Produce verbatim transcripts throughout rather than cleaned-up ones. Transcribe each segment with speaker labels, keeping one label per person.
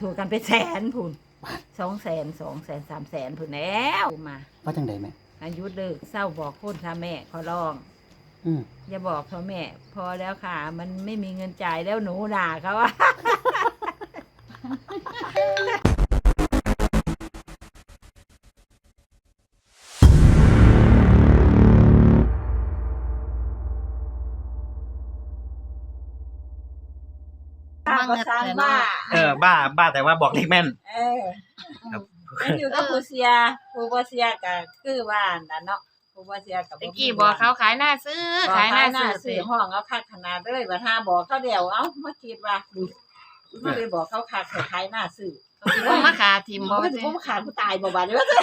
Speaker 1: ถูกกันไปแสนพุ่นสองแสนสองแสนสามแสนพุ่นแล้วมา
Speaker 2: ว่าจังไดแม่
Speaker 1: อายุเลิกเศร้าบอกคนท่าแม่ขอร้อง
Speaker 2: อืม
Speaker 1: อย่าบอกพ่อแม่พอแล้วค่ะ มันไม่มีเงินจ่ายแล้วหนูด่าเขาว่าก็สร้างบ้า
Speaker 3: เออบ้าบ้าแต่ว่าบอกเลขแม่น
Speaker 1: เออมันอยู่กับผู้เสียผู้บ่เสียก็คือว่านั่นเนาะผู้บ่เสียก็บ่
Speaker 4: ตะกี้บอกเขาขายหน้าซื้อขายหน้าซื้อ
Speaker 1: ซื้อห้องเอาคักขนาดเลยว่าถ้าบอกเขาเดียวเอ้ามาคิดว่าบ่ได้บอกเขาคักขายหน้าซื้อ
Speaker 4: สิบ่มาขาทิ่มบ่
Speaker 1: สิบ่มาขาผู้ตายบ่บาดนี้ว่า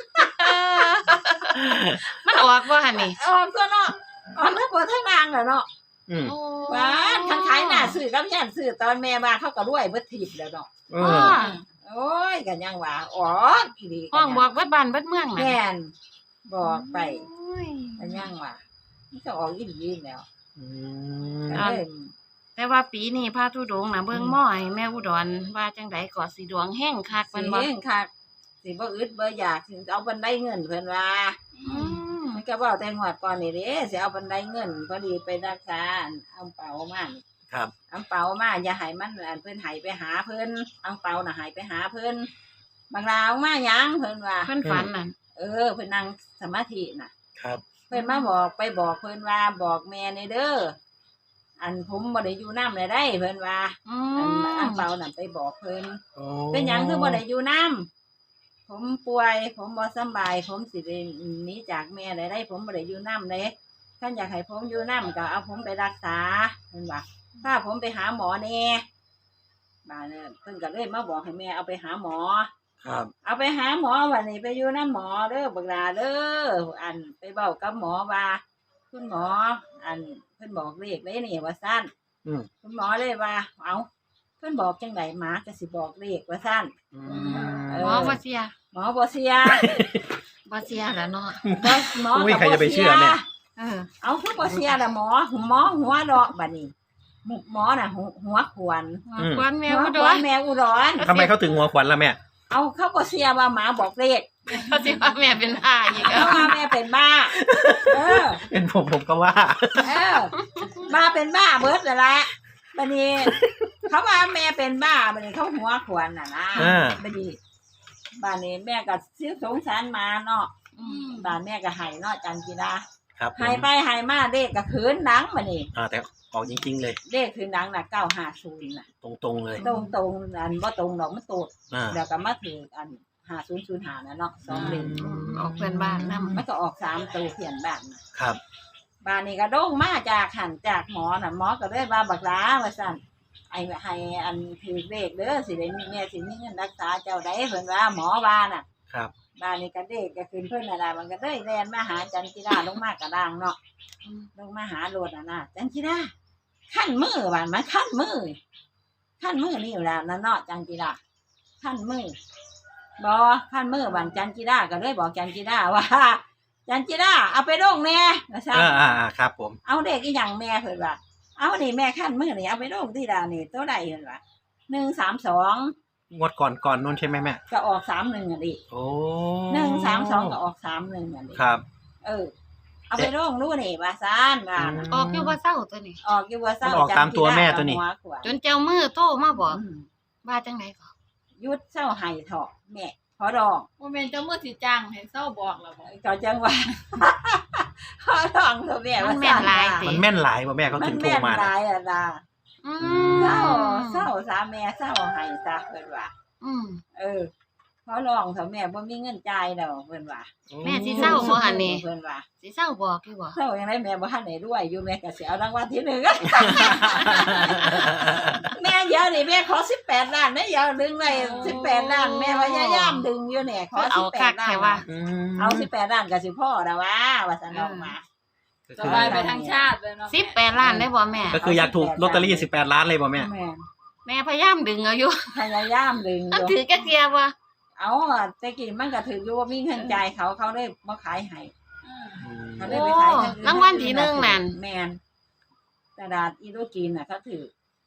Speaker 4: มันออกบ่หั่นนี่
Speaker 1: ออกตัวเนาะออกทั้งบนทั้งล่างน่ะเนาะ
Speaker 3: อืม
Speaker 1: ว่าทั้งขายหน้าซื้อกับย่านซื้อตอนแม่มาเขาก็รวยเบิดทิพย์แล้วเนาะ
Speaker 3: เออ
Speaker 1: โอ้ยก็ยังว่าอ๋ออีหลี
Speaker 4: ห้องบอกเบิดบ้านเบิดเมืองน่ะ
Speaker 1: แม่นบอกไปก็ยังว่ามันก็ออกอีหลีแล้ว
Speaker 3: อื
Speaker 1: ม
Speaker 4: แต่ว่าปีนี้พระธุดงค์น่ะเบิ่งหม้อให้แม่อุดรว่าจังได๋ก็สิดวงแห้งคัก
Speaker 1: มันบ่แห้งคักสิบ่อึดบ่อยากสิเอาบันไดเงินเพิ่นว่า
Speaker 4: อืม
Speaker 1: มันก็เว้าแต่งวดก่อนนี่เด้สิเอาบันไดเงินพอดีไปรักษาเอาเป๋ามานี่
Speaker 3: ครับ
Speaker 1: อังเปามาอย่าให้มันอันเพิ่นให้ไปหาเพิ่นอังเปาน่ะให้ไปหาเพิ่นบางราวมาหยังเพิ่นว่า
Speaker 4: เพิ่นฝันน่ะ
Speaker 1: เออเพิ่นนั่งสมาธิน่ะ
Speaker 3: ครับ
Speaker 1: เพิ่นมาบอกไปบอกเพิ่นว่าบอกแม่ในเด้ออันผมบ่ได้อยู่นำได้ได้เพิ่นว่าอันอังเปาน่ะไปบอกเพิ่นเป็นหยังคือบ่ได้อยู่นำผมป่วยผมบ่สบายผมสิได้หนีจากแม่ได้ได้ผมบ่ได้อยู่นำเด้ท่านอยากให้ผมอยู่นำก็เอาผมไปรักษาเพิ่นว่าถ้าผมไปหาหมอแน่บ้านเนี่ยเพิ่นก็เลยมาบอกให้แม่เอาไปหาหมอ
Speaker 3: ครับ
Speaker 1: เอาไปหาหมอวันนี้ไปอยู่นำหมอเด้อบักหลาเด้ออันไปเว้ากับหมอว่าคุณหมออันเพิ่นบอกเลขเลยนี่ว่าซั่น
Speaker 3: อืม
Speaker 1: คุณหมอเลยว่าเอ้าเพิ่นบอกจังได๋หมาก็สิบอกเลขว่าซั่น
Speaker 3: อื
Speaker 4: มหมอบ่เสีย
Speaker 1: หมอบ่เสีย
Speaker 4: บ่เสียแล้วเนาะ
Speaker 1: บ่หมอ
Speaker 3: ก็บ่เสีย
Speaker 1: เออเอาคือบ่เสียล่ะหมอหมอหัวดอกบัดนี้หมอน่ะหัวขวาน
Speaker 4: ขวานแมวอุดร
Speaker 1: แมวอุดร
Speaker 3: ทำไมเขาถึงหัวขวัญล่ะแม่
Speaker 1: เอาเขาบ่เสียว่าหมาบอกเลข
Speaker 4: เขาสิว่าแม่เป็นบ้าอีก
Speaker 1: เขาว่าแม่เป็นบ้าเออ
Speaker 3: เป็นผมผมก็ว่า
Speaker 1: เออบ้าเป็นบ้าเบิดนั่นแหละบัดนี้เขาว่าแม่เป็นบ้าบัดนี้เขาหัวขวานน่ะนะบัดนี้บ้านนี้แม่ก็ซื้อสงสารมาเนาะบ้านแม่ก็ให้เนาะจันกีฬาให้ไปให้มาเลขก็คืนหนังบัดนี้
Speaker 3: อ่าแต่ออกจริงๆเลย
Speaker 1: เลขคืนหนังน่ะเก้าห้าศูนย์น่ะ
Speaker 3: ตรงๆเลย
Speaker 1: ตรงๆอันบ่ตรงดอกมันโตดแล้วก็มาถึงอันห้าศูนย์ศูนย์ห้าน่ะเนาะสองเลข
Speaker 4: ออกเพื่อนบ้านนำ
Speaker 1: มันก็ออกสามตัวเขียนบ้านน่ะ
Speaker 3: ครับ
Speaker 1: บ้านนี้ก็โด่งมาจากหันจากหมอน่ะหมอก็เลยว่าบักหลาว่าซั่นไอ้ให้อันถือเลขเด้อสิได้มีแม่สิมีเงินรักษาเจ้าได้เพิ่นว่าหมอว่าน่ะ
Speaker 3: ครับ
Speaker 1: บ้านนี้ก็เด็กก็ขึ้นเพิ่นน่ะล่ะมันก็เลยแล่นมาหาจันจิราลงมากระด้างเนาะลงมาหาโลดน่ะนะจันจิราขั้นมือบ้านมันขั้นมือขั้นมือนี่อยู่แล้วนั่นเนาะจันจิราขั้นมือบ่ขั้นมือบ้านจันจิราก็เลยบอกจันจิราว่าจันจิราเอาไปลงแน่ว่าซั่น
Speaker 3: อ่าๆครับผม
Speaker 1: เอาเด็กอีหยังแม่เพิ่นว่าเอานี่แม่ขั้นมือนี่เอาไปลงที่ดานี่ตัวใดเพิ่นว่าหนึ่งสามสอง
Speaker 3: งวดก่อนก่อนนู่นใช่ไหมแม่
Speaker 1: ก็ออกสามหนึ่งอ่ะดิ
Speaker 3: โอ้
Speaker 1: หนึ่งสามสองก็ออกสามหนึ่งอ่ะดิ
Speaker 3: ครับ
Speaker 1: เออเอาไปลงรู้นี่ว่าซ่านว่า
Speaker 4: ออกอยู่ว่าเศร้าตัวนี้
Speaker 1: ออกอยู่ว่าเศร้า
Speaker 3: ออกตามตัวแม่ตัวนี้
Speaker 4: จนเจ้ามือโตมาบอกว่าจังได๋ก็
Speaker 1: ยุดเศร้าให้เถาะแม่ขอดอง
Speaker 5: บ่แม่นเจ้ามือสิจ้างให้เศร้าบอกแล้วบ่
Speaker 1: ก็จังว่าขอดองเถอะแม่
Speaker 4: มันแม่นหลายติ
Speaker 3: มันแม่นหลายบ่แม่เขาถึงโทรมา
Speaker 1: มันแม่นหลายอ่ะล่ะ
Speaker 4: อื
Speaker 1: มเศร้าเศร้าซะแม่เศร้าให้ซะเพิ่นว่า
Speaker 4: อืม
Speaker 1: เออขอร้องเถอะแม่บ่มีเงินจ่ายดอกเพิ่นว่า
Speaker 4: แม่สิเศร้าบ่หั่นนี่
Speaker 1: เพิ่นว่า
Speaker 4: สิเศร้าบอกอยู่บ่
Speaker 1: เศร้าจังได๋แม่บ่ทันได้รวยอยู่แม่ก็สิเอารางวัลที่หนึ่งแม่เดี๋ยวนี่แม่ขอสิบแปดล้านแม่อย่าดึงไว้สิบแปดล้านแม่พยายามดึงอยู่เนี่ยขอสิบแปดล้านเอาสิบแปดล้านก็สิพอแล้วว่าว่าซั่นออกมา
Speaker 5: สบายไปทั้งชาติเลยเนาะ
Speaker 4: สิบแปดล้านได้บ่แม่
Speaker 3: ก็คืออยากถูกลอตเตอรี่สิบแปดล้านเลยบ่แม่
Speaker 4: แม่พยายามดึงเอาอยู่
Speaker 1: พยายามดึงอยู่
Speaker 4: ถือจักเที่ยบ่
Speaker 1: เอาแต่กี้มันก็ถืออยู่ว่ามีเงินจ่ายเขาเขาได้มาขายให้เขาได้ไปขาย
Speaker 4: รางวัลที่หนึ่งนั่น
Speaker 1: แมนกระดาษอีโรจีนน่ะเขาถือ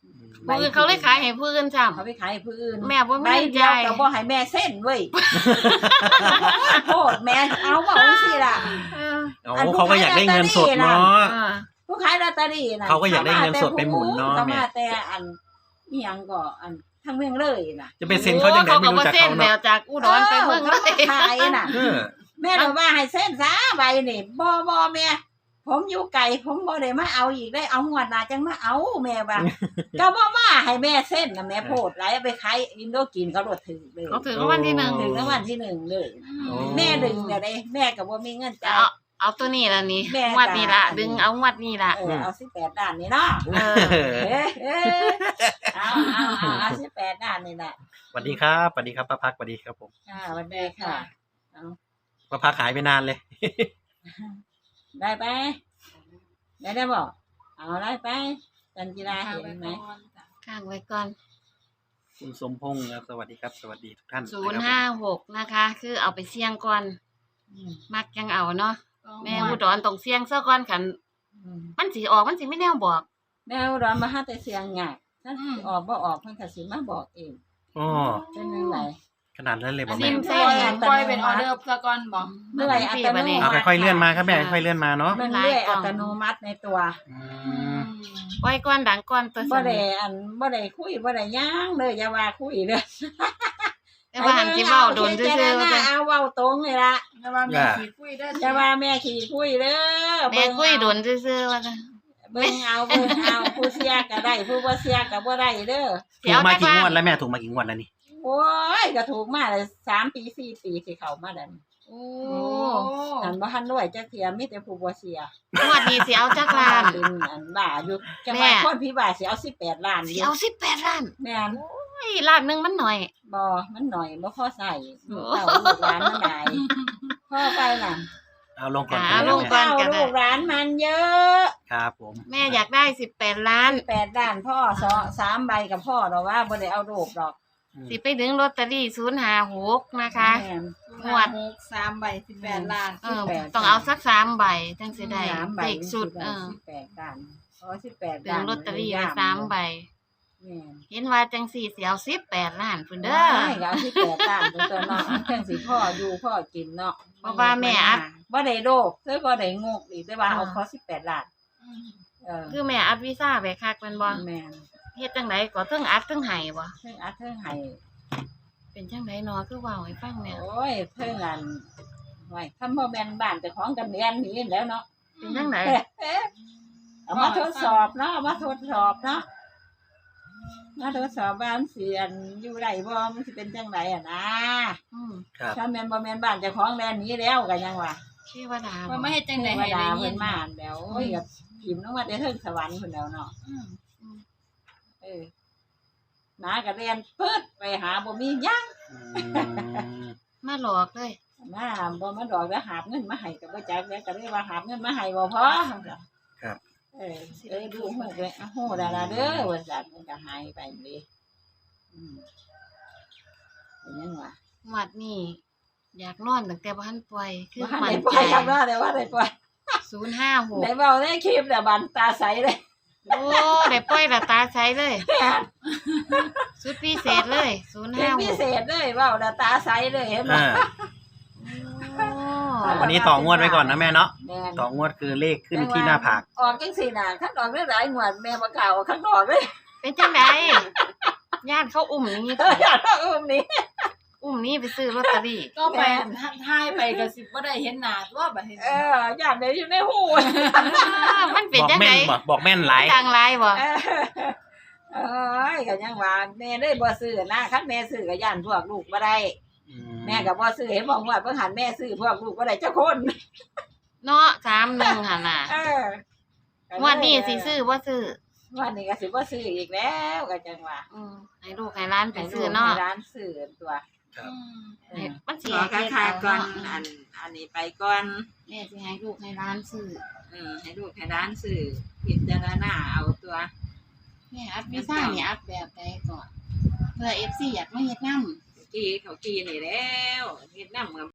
Speaker 4: ผู้อื่นเขาเลยขายให้ผู้อื่นซ้ำ
Speaker 1: เขาไปขายให้ผู้อื่น
Speaker 4: แม่บ่มี
Speaker 1: ใบ
Speaker 4: เงิน
Speaker 1: เดียว
Speaker 4: จ่าย
Speaker 1: ก็บ่ให้แม่เส้นเว้ยโทษแม่เอาว่าเอาสิล่ะ
Speaker 4: เออ
Speaker 3: โอ้เขาก็อยากได้เงินสดเนาะ
Speaker 4: อ่า
Speaker 1: ผู้ขายลอตเตอรี่น่ะ
Speaker 3: เขาก็อยากได้เงินสดไปหมุนเนาะ
Speaker 1: เขา
Speaker 3: แม่
Speaker 1: มาแต่อันอีหยังก็อันทั้งเมืองเลยน่ะ
Speaker 3: จะไปเซ็นเขาจังไดไม่รู้จัก
Speaker 4: เส้น
Speaker 3: เขา
Speaker 4: แบ
Speaker 3: เนาะ
Speaker 4: บจากอุดรไปเมืองเลย
Speaker 1: ขายน่ะ
Speaker 3: เออ
Speaker 1: แม่เราว่าให้เส้นซะใบนี่บ่บ่แม่ผมอยู่ไกลผมบ่ได้มาเอาอีกได้เอางวดหน้าจังมาเอาแม่ว่า ก็บ่มาให้แม่เส้นน่ะแม่โพดหลายเอาไปขายอินโดกินเขาโดดถึงเลย
Speaker 4: เขาถือรางวัลที่หนึ่ง
Speaker 1: ถึงรางวัลที่หนึ่งเลย
Speaker 3: โอ้
Speaker 1: แม่ดึงเนี่ยได้แม่ก็บ่มีเงินจ่าย
Speaker 4: เอาเอาตัวนี้ละนี่
Speaker 1: แม่
Speaker 4: งวดนี้ละ
Speaker 1: จ่าย
Speaker 4: ดึงเอางวดนี้ละ
Speaker 1: เออเอาสิบแปดด้านนี่เนาะ
Speaker 4: เออ
Speaker 1: เอ้ยเอ้ยเอาเอาเอาเอาสิบแปดด้านนี่แหละ
Speaker 3: สวัสดีครับสวัสดีครับป้าพักสวัสดีครับผม
Speaker 1: ค่ะสวันดีค่ะ เอา
Speaker 3: ป้าพักหายไปนานเลย
Speaker 1: ได้ไปได้ได้บอกเอาได้ไปจันจิราเห็นไหม
Speaker 4: ข้างไว้ก่อน
Speaker 3: คุณสมพงษ์ครับสวัสดีครับ สวัสดีทุกท่าน
Speaker 4: ศูนย์ห้าหกนะคะ คือเอาไปเสี่ยงก่อน
Speaker 1: อืม
Speaker 4: มักยังเอาเนาะ แม่
Speaker 5: แม่
Speaker 4: อุดรต้องเสี่ยงซะก่อนขัน
Speaker 1: อืม
Speaker 4: มันสิออกมันสิไม่แน่บอก
Speaker 1: แม่อุดรมาหาแต่เสียงไงถ้าสิออกบ่ออกเพิ่นก็สิมาบอกเอง
Speaker 3: อ๋อ
Speaker 1: เป็นจังได
Speaker 3: ขนาดนั้นเลยบ
Speaker 5: อั
Speaker 3: อน ก
Speaker 5: นี้
Speaker 3: แม่
Speaker 5: ปล่อยปล่อยเป็นออเดอร์ซะก่อนบ่
Speaker 1: เมื่อไหร่อัตโนมัติ
Speaker 3: เอาค่อยๆเลื่อนมาครับแม่ค่อยๆเลื่อนมาเนาะ
Speaker 1: มันเรื่อยอัตโนมัติในตัว
Speaker 3: อืม
Speaker 4: ปล่อยก่อนดังก่อนตัว
Speaker 1: บ่ได้อันบ่ได้คุยบ่ได้ย่างเลยอย่าว่าคุยเด้อ
Speaker 4: แต่ว่าหันสิเว้าโดนซื่อๆ
Speaker 1: เจ
Speaker 4: ว่า
Speaker 1: ๆ
Speaker 4: จะ
Speaker 1: เอาเว้าตรงเลยล่ะ
Speaker 5: แต่ว่ามีขี้คุยได้
Speaker 1: อย่าว่าแม่ขี้คุยเด้อ
Speaker 4: แม่คุยโดนซื่อๆว่าจะ
Speaker 1: เบิ่งเอาเบิ่งเอาผู้เสียก็ได้ผู้บ่เสียก็บ่ได้เด้อ
Speaker 3: ถูกมากี่งวดแล้วแม่ถูกมากี่งวดแล้วนี่
Speaker 1: โอ้ยก็ถูกมาเลยสามปีสี่ปีสิเข้ามาดัน
Speaker 4: โอ้
Speaker 5: โอ้
Speaker 1: อันบ่ทันรวยจักเที่ยมีแต่ผู้บ่เสีย
Speaker 4: งวดนี้สิเอาจักล้าน
Speaker 1: เป็นอันบ้าอยู่จัง
Speaker 4: แม่
Speaker 1: ว่าคนพี่บ้าสิเอาสิบแปดล้านอ
Speaker 4: สิ
Speaker 1: ยู่
Speaker 4: เอาสิบแปดล้าน
Speaker 1: แม่น
Speaker 4: โอ้ยล้านหนึงมันหน่อย
Speaker 1: บ่มันหน่อยบ่พอใส่
Speaker 4: โอ้
Speaker 1: เต้าลูกหลานมันได้พ่อไปน่ะ
Speaker 3: เอาลงก่อน
Speaker 4: อ่า
Speaker 3: ครับ
Speaker 4: ลงก่
Speaker 3: แม่
Speaker 4: อน
Speaker 1: เต้าลูกหลานมันเยอะ
Speaker 3: ครับผม
Speaker 4: แม่อยากได้สิบแปดล้าน
Speaker 1: แปดด้านพ่อสองสามใบกับพ่อดอกว่าบ่ได้เอาโดกดอก
Speaker 4: สิไปดึงลอตเตอรี่ศูนย์ห้าหกนะคะ
Speaker 1: แม่น
Speaker 4: งวด
Speaker 5: หกสามใบสิบแปดล้าน
Speaker 4: เออ
Speaker 1: สิบแปด
Speaker 4: ต้องเอาสักสามใบจังสิได้
Speaker 1: สามใบ
Speaker 4: เด็กสุด เออ
Speaker 1: สิบแปดด้านอ๋อสิบแปด
Speaker 4: ดึ
Speaker 1: ด้าง น
Speaker 4: ลอตเตอรี่ไว้สามใบ
Speaker 1: แม่น
Speaker 4: เห็นว่าจังสี่เสียวสิบแปดล้านพุ่นเด้อ
Speaker 1: ได้ก็เอาสิบแปดด้านตัวตัวเนาะจังสิพ่ออยู่พ่อกินเนาะ
Speaker 4: เพราะว่าแม่อัด
Speaker 1: บ่ได้โดกเลยบ่ได้งกอีกแต่ว่าเอาขอสิบแปดล้านเออ
Speaker 4: คือแม่อัดวีซ่าไปคักแมันบ่
Speaker 1: แม่น
Speaker 4: เฮ็ดจังไดก็เทิงอัดเทิงไห้บ่
Speaker 1: เพิ่งอัดเพิ่งให้
Speaker 4: เป็นจังไดเนาะคือเว้าให้ฟังแม่
Speaker 1: โอ้ยเพิ่งอันไว้คำบ่แม่นบ้านเจ้าของกันเรียนนี่แหล้วเนาะ
Speaker 4: เป็นจังได
Speaker 1: เอามาทดสอบเนาะเอามาทดสอบเนาะมาทดสอบบ้านเสียนอยู่ไรบ่มันสิเป็นจังไรอ่ะนะ
Speaker 4: อืม
Speaker 3: ครับ
Speaker 1: ถ้าแม่นบ่แม่นบ้านเจ้าของแลนหนี้แล้วก็ยังว่า
Speaker 4: เทวดา
Speaker 5: ว่า
Speaker 4: บ่
Speaker 5: ไม่เฮ็ดจัง
Speaker 1: เท
Speaker 5: ได๋
Speaker 1: ว
Speaker 5: ให้
Speaker 1: ดา
Speaker 5: ได้ยิ
Speaker 1: เพิ่
Speaker 5: น
Speaker 1: นมาแล้วโอ้ยก็พิมพ์ลงมาแต่เทิงสวรรค์เพิ่นแล้วเนาะ
Speaker 5: อืม
Speaker 1: เออหมาก็เรียนปึ๊ดไปหาบ่มีหยัง
Speaker 3: อืม
Speaker 4: มาหลอกเลย
Speaker 1: มาบ่มาดอกแล้วหาบเงินมาให้ก็บ่จักแล้วก็เลยว่าหาบเงินมาให้บ่พอ
Speaker 3: ครับ
Speaker 1: เออเอ้ยดูฮู้เลยอ่ะฮู้ดาราเด้อว่าซั่นมันก็หายไปเลยอืมเป็นหยังวะ
Speaker 4: งวดนี้อยากนอนตั้งแต่บ่ทันปล่อยคือ
Speaker 1: ว่า
Speaker 4: มั่
Speaker 1: ได้
Speaker 4: น
Speaker 1: ปล่
Speaker 4: ใจ
Speaker 1: อยครับว่าได้ว่าได้ปล่อย
Speaker 4: ศูนย์ห้าหก
Speaker 1: ได้เว้าได้คลิปแล้วบันตาใสเลย
Speaker 4: โอ้ได้ปล่อยและตาใสเลย สุดพิเศษเลยศูนย์
Speaker 1: เป็น
Speaker 4: ห้าห
Speaker 1: พิ
Speaker 4: ก
Speaker 1: เศษเลยเว้าแล้วตาใสเลยเห็นบ่
Speaker 3: อ่าวันนี้ต่องวดไว้ก่อนนะแม่เนาะ
Speaker 1: แม่น
Speaker 3: ต่องวดคือเลขขึ้นที่หน้าผาก
Speaker 1: ออกจังซี่น่ะคันออกได้หลายงวดแม่บ่กล้าเอาข้างนอกเลย
Speaker 4: เป็นจังไดญาติเขาอุ้มนี้
Speaker 1: เอออยากเอาอุ้มนี่
Speaker 4: อุ้มนี้ไปซื้อลอตเตอรี่
Speaker 5: ก็ไปถ่ายไปก็สิบ่ได้เห็นหน้าตัวบัดนี้
Speaker 1: เอออยากได้อยู่ในหู
Speaker 4: อ้าวมันเป็น
Speaker 3: บอก
Speaker 4: จัง
Speaker 3: แม่
Speaker 4: ได
Speaker 3: นบอกบอกแม่นหลาย
Speaker 4: ทางไลน์บ่
Speaker 1: เออเอ้ยก็ยังว่าแม่เลยบ่ซื้อนะคันแม่ซื้อก็ย่านพวกลูกบ่ได้
Speaker 3: อื
Speaker 1: แม่ก็บ่ซื้อเห็นบอกว่าเพิ่นหันแม่ซื้อพวกลูกบ่ได้เจ้าคน
Speaker 4: เนาะสามหนึ่งหั่นน่ะ
Speaker 1: เออ
Speaker 4: งวันนี้สิซื้อบ่ซื้อ
Speaker 1: วันนี้ก็สิบ่ซื้ออีกแล้วก็จังว่า
Speaker 4: อืมให้ลูกให้ร้านไป
Speaker 1: ให้
Speaker 4: ซื้อเนาะ
Speaker 1: ให้ร้านซื้อตัว
Speaker 3: ครับ
Speaker 5: อืม
Speaker 4: ให้มันสิ
Speaker 1: ขอ
Speaker 4: ให้
Speaker 1: ค่า
Speaker 4: เฮ็ด
Speaker 1: ค่า
Speaker 4: เอา
Speaker 1: ก่อน
Speaker 4: เนาะ
Speaker 1: อันอันนี้ไปก่อน
Speaker 4: แม่สิให้ลูกให้ร้านซื้อ
Speaker 1: เออให้ลูกให้ร้านซื้อพิจารณาเอาตัว
Speaker 4: แม่อัดวีซ่านี่อัดแบบใดก่อนเพื่อ เอฟ ซี อยากมาเฮ็ดนำ
Speaker 1: กี้เขากี้นี่แล้วเฮ็ดนำกับ